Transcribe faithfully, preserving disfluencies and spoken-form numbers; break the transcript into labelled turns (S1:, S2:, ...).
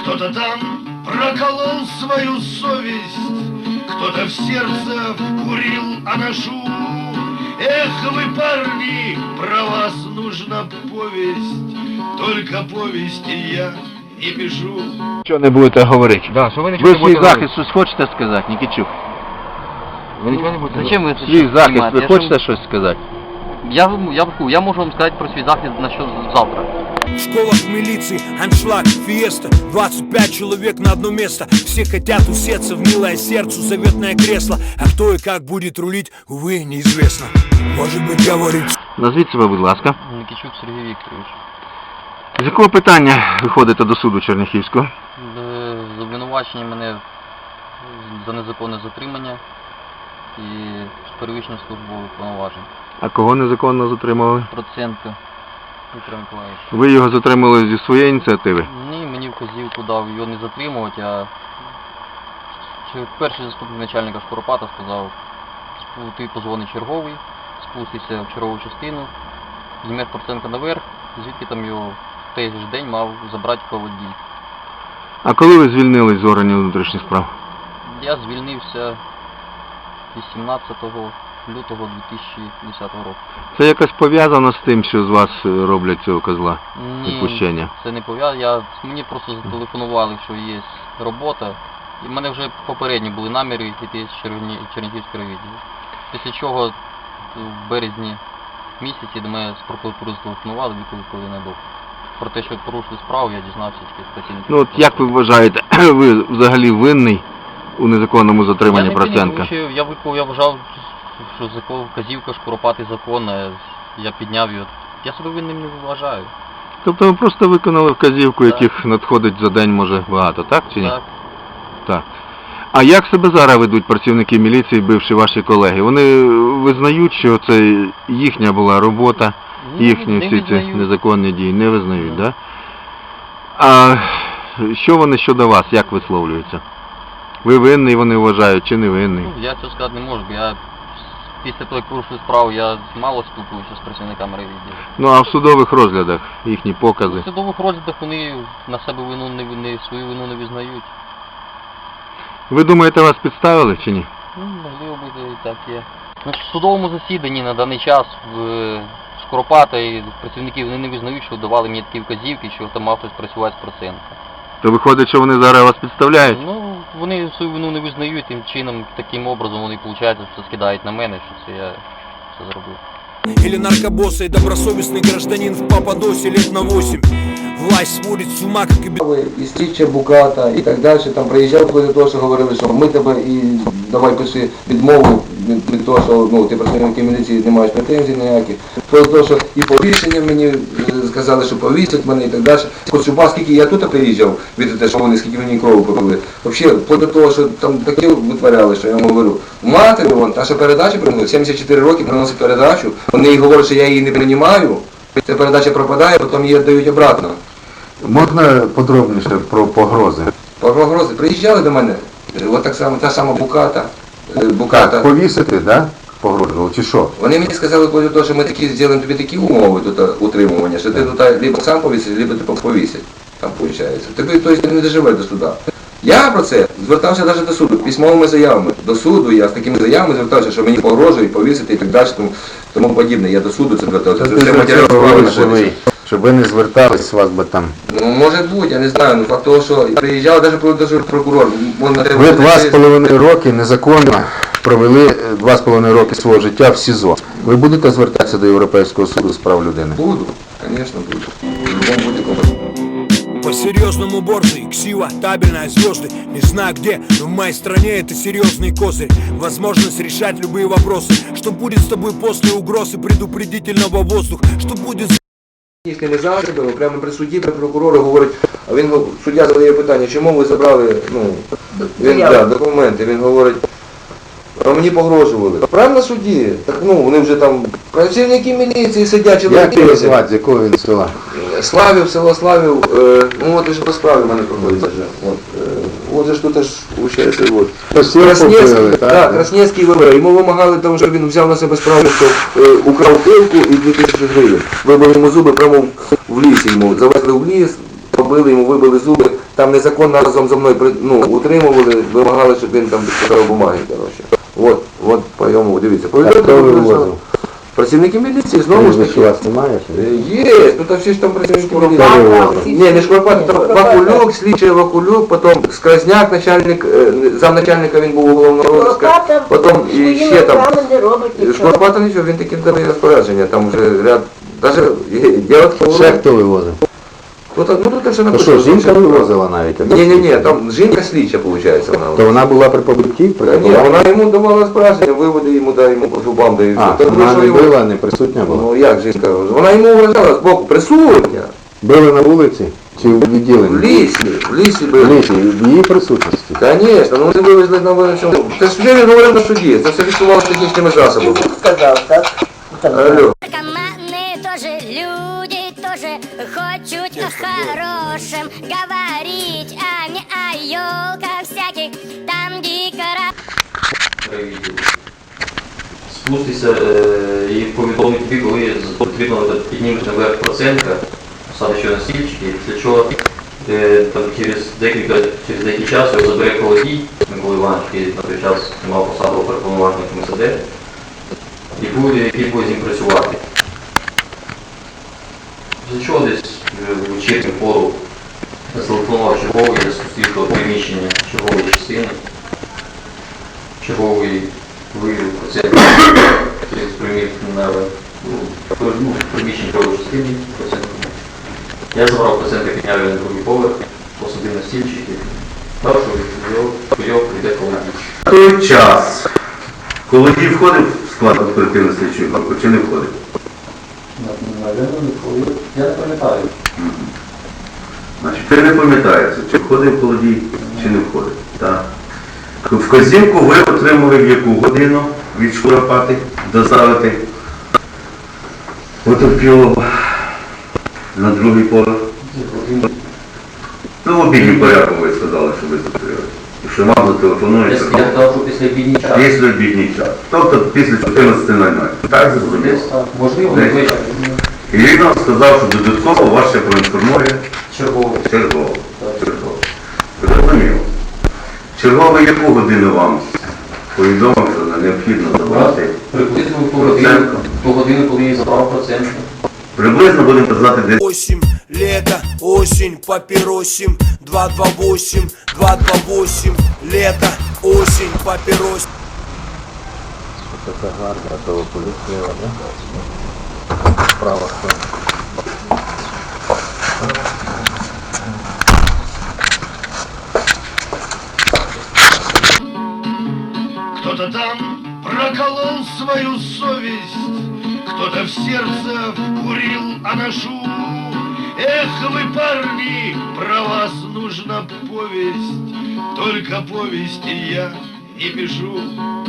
S1: Кто-то там проколол свою совесть, кто-то в сердце вкурил анашу. Эх вы, парни, про вас нужна повесть, только повести я не пишу.
S2: Що не будете говорити?
S3: Да, що ви нічого
S2: Ви
S3: не
S2: свій
S3: будете
S2: захист щось хочете сказати, Нікітчук?
S3: Ви нічого не будете
S4: Зачем ви це
S2: Свій захист,
S4: знімаєте?
S2: ви
S4: Я
S2: хочете
S4: ж-
S2: щось сказати?
S4: Я, я, я можу вам сказати про свій захист на що завтра.
S5: В школах милиции аншлаг, фиеста, двадцать пять человек на одно место. Все хотят усеться в милое сердцу заветное кресло. А кто и как будет рулить, увы, неизвестно. Может быть, говорит...
S2: Назвіть себе, будь ласка.
S4: Нікічук Сергій Вікторович.
S2: З якого питання ви ходите до суду Черняхівського?
S4: Е, з обвинувачення мене за незаконне затримання і з перевищення службових повноважень.
S2: А кого незаконно затримали?
S4: Проценко Віктор Миколаївич.
S2: Ви його затримали зі своєї ініціативи?
S4: Ні, мені вказівку дав його не затримувати, а чи перший заступник начальника Шкуропата сказав, «Спу- ти позвони черговий, спустися в чергову частину, знімеш Проценка наверх, звідки там його в той же ж день мав забрати поводій.
S2: А коли ви звільнились з органів внутрішніх справ?
S4: Я звільнився вісімнадцятого лютого дві тисячі десятого року.
S2: Це якось пов'язано з тим, що з вас е, роблять цього козла? Відпущення?
S4: Це не пов'язано. Я, мені просто зателефонували, що є робота. І в мене вже попередні були наміри йти з Черні, Чернігівського відділу. Після чого в березні місяці до мене з прокуратури зателефонували, викликали на допит. Про те, що порушили справу, я дізнався тільки з працівників.
S2: Ну от як ви вважаєте, ви взагалі винний у незаконному затриманні
S4: Я не винен,
S2: Проценка?
S4: тому що я, виклав, я вважав, що закон, вказівка Шкуропати законна, я підняв його. Я себе винним не вважаю.
S2: Тобто ви просто виконали вказівку,
S4: Так.
S2: яких надходить за день може багато, так чи ні?
S4: Так.
S2: Так. А як себе зараз ведуть працівники міліції, бивші ваші колеги? Вони визнають, що це їхня була робота,
S4: Ні,
S2: їхні
S4: не
S2: всі ці
S4: визнають.
S2: незаконні дії не визнають,
S4: Ні.
S2: так? Да? А що вони щодо вас, як висловлюються? Ви винний, вони вважають, чи не винний?
S4: Ну, я цього сказати не можу, бо я після того, як порушили справу, я мало спілкуюся з працівниками райвідділу.
S2: Ну а в судових розглядах їхні
S4: У
S2: покази?
S4: судових розглядах вони на себе вину не, не свою вину не визнають.
S2: Ви думаєте, вас підставили чи ні?
S4: Ну, можливо, буде і так є. Ну, в судовому засіданні на даний час в Шкуропата і працівників вони не визнають, що давали мені такі вказівки, що там мав хтось працювати з Проценка.
S2: То виходить, що вони зараз вас підставляють?
S4: Ну, вони свою вину не визнають, тим чином, таким образом вони, виходить, що скидають на мене, що це я це зробив.
S5: Или наркобосса и добросовестный гражданин в Пападосе лет на восемь. Власть сводит с ума, как и...
S3: І Стіча, Буката і так далі, там приїжджав проти того, що говорили, що ми тебе і давай пиши відмову від, від того, що ну, ти працівники міліції не маєш претензій ніяких. Про те, що і повішення мені е, сказали, що повісять мене і так далі. Хоча скільки я тут приїжджав, від те, що вони скільки мені крову попили. Взагалі, проти того, що там таке витворяли, що я вам говорю, мати, вон, та що передача приносить, сімдесят чотири роки приносить передачу, вони їй говорять, що я її не приймаю, ця передача пропадає, потім її дають обратно.
S2: Можна подробніше про погрози?
S3: Погрози приїжджали до мене, от так само, та сама Буката, е, Буката.
S2: Повісити, да? Погрожували, чи що?
S3: Вони мені сказали, коли то, що ми такі зробимо тобі такі умови тут утримування, що ти тут либо сам повісиш, либо ти повісять. Там виходить. Тобі тобто, не доживе до суда. Я про це звертався навіть до суду, письмовими заявами. До суду я з такими заявами звертався, що мені погрожують, повісити і так далі, тому, тому подібне. Я до суду це звертався. Це, це матеріал справи знаходиться.
S2: Щоб ви не звертались, вас би там...
S3: Ну, може бути, я не знаю, ну факт того, що приїжджав навіть про- даже прокурор. Вон на те-
S2: Ви два з половиною роки незаконно провели е, два з половиною роки свого життя в СІЗО. Ви будете звертатися до Європейського суду з прав людини?
S3: Буду, конечно, буду. В любом будь-якому.
S5: По-серьезному борзый, ксива, табельная, звезды. Не знаю где, но в моей стране это серьезный козырь. Возможность решать любые вопросы. Что будет с тобой после угрозы предупредительного воздуха? Что будет с...
S3: Їх не забрали, прямо при суді, при прокурору говорить, а він, го- суддя задає питання, чому ви забрали, ну, він, да, документи, він говорить, а мені погрожували. Правильно судді? Так, ну, вони вже там, працівники міліції сидять, чоловіки.
S2: з якого він села?
S3: Славів, село Славів, е, ну от і ж по справі в мене проходиться вже. От, е, от же ж тут аж виходить, от. Краснецький, так, Краснецький вибор. Йому вимагали того, щоб він взяв на себе справу, що е, украв пилку і дві тисячі гривень. Вибили йому зуби прямо в лісі йому. Завезли в ліс, побили, йому вибили зуби, там незаконно разом зі мною при- ну, утримували, вимагали, щоб він там підписав бумаги, коротше. От, от по йому, дивіться.
S2: А хто вивозив?
S3: Працівники міліції, знову ж таки.
S2: У вас немає?
S3: Е, Є, тут всі ж там працівники міліції.
S2: вивозив?
S3: Ні, не Шкварпат, там Вакулюк, слідчий Вакулюк, потім Скразняк, начальник, е, замначальника він був головного розка, потім і ще там. Шкварпата нічого, він таки дає розпорядження, там вже ряд, даже я от
S2: Ще хто вивозив?
S3: Хто-то, ну тут все
S2: То
S3: написано.
S2: що, жінка вивозила навіть? а
S3: Ні, ні, ні,
S2: слідча?
S3: там жінка слідча, виходить, вона.
S2: То вона була при побитті? При
S3: Та ні,
S2: такому?
S3: вона йому давала розпорядження, виводи йому, дай йому по зубам, дай
S2: А,
S3: все. Та
S2: вона
S3: що
S2: не
S3: його-
S2: била, не присутня була?
S3: Ну як жінка? Вона йому вражала з боку, присутня.
S2: Били на вулиці? Чи в
S3: В
S2: відділенні?
S3: лісі, в лісі
S2: В
S3: били.
S2: лісі, в її присутності?
S3: Звісно, ну вони вивезли на вулицю. Це ж він говорив на суді, це все фіксувалося технічними засобами.
S6: Сказав, так?
S3: Алло.
S7: Наркоманы тоже люди, тоже хотят о хорошем говорить, а не о елках всяких, там дикора.
S4: Спустися е, і повідомити тобі, коли потрібно піднімеш наверх процентка, саме що на стільчики, після чого е, там, через декілька через деякий час його забере Колодій, Микола Іванович, який на той час мав посаду оперповноважника ем ес де, і буде, який буде з ним працювати. Після чого десь е, в вечірню пору зателефонував черговий, я спустив до приміщення чергової частини. Черговий виявив процент через примір на ну, ну, приміщення чергової частини процент. Я забрав процент, підняв його на другий поверх, посадив на стільчик і дав, що його прийде Колодій.
S8: Той час, коли він входив в склад оперативної слідчої групи, чи не входив?
S4: Я не пам'ятаю.
S8: Значить, ти не пам'ятаєш, чи входив Колодій, чи не входив. Так. Вказівку ви отримали в яку годину від Шкуропати доставити потерпілого на другий поверх? Ну, в обідній порядку ви сказали, що ви зустрілися. І що вам зателефонують.
S4: Я казав, що після обідній час.
S8: Після обідній час. Тобто після чотирнадцяти нуль нуль. Так зрозуміло?
S4: Можливо,
S8: Десь.
S4: звичайно.
S8: І він нам сказав, що додатково вас ще проінформує
S4: Черговий.
S8: черговий. Черговий. Зрозуміло. Черговий яку годину вам повідомив, що необхідно забрати?
S4: Приблизно в ту годину, в ту годину, коли я забрав процент.
S8: Приблизно будемо казати десь.
S5: Осень, лето, осень, папиросим, два два восемь, два два восемь, лето, осень, папиросим.
S2: Така гарна, то поліція, да? Права сторона.
S1: Кто-то там проколол свою совесть, кто-то в сердце вкурил анашу. Эх вы, парни, про вас нужна повесть, только повести я не пишу.